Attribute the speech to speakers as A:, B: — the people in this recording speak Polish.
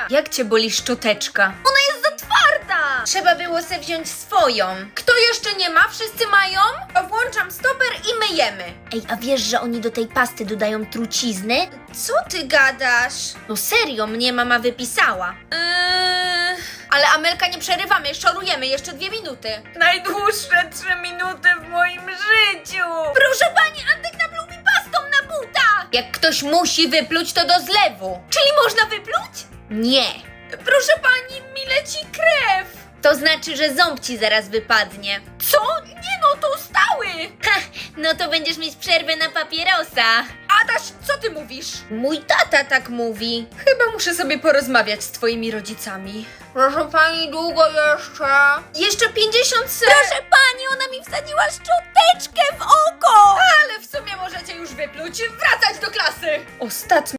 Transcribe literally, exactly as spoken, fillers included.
A: Jak cię boli szczoteczka?
B: Ona jest za twarda!
A: Trzeba było se wziąć swoją. Kto jeszcze nie ma? Wszyscy mają? To włączam stoper i myjemy.
B: Ej, a wiesz, że oni do tej pasty dodają trucizny?
A: Co ty gadasz?
B: No serio, mnie mama wypisała.
A: Yy... Ale Amelka, nie przerywamy, szorujemy jeszcze dwie minuty. Najdłuższe trzy minuty w moim życiu.
B: Proszę pani, Antek napluł mi pastą na buta!
A: Jak ktoś musi wypluć, to do zlewu.
B: Czyli można wypluć?
A: Nie. Proszę pani, mi leci krew.
B: To znaczy, że ząb ci zaraz wypadnie.
A: Co? Nie no, to stały.
B: Ha, no to będziesz mieć przerwę na papierosa.
A: Adaś, co ty mówisz?
B: Mój tata tak mówi.
A: Chyba muszę sobie porozmawiać z twoimi rodzicami. Proszę pani, długo jeszcze? Jeszcze pięćdziesiąt sekund.
B: Proszę pani, ona mi wsadziła szczoteczkę w oko!
A: Ale w sumie możecie już wypluć, wracać do klasy. Ostatni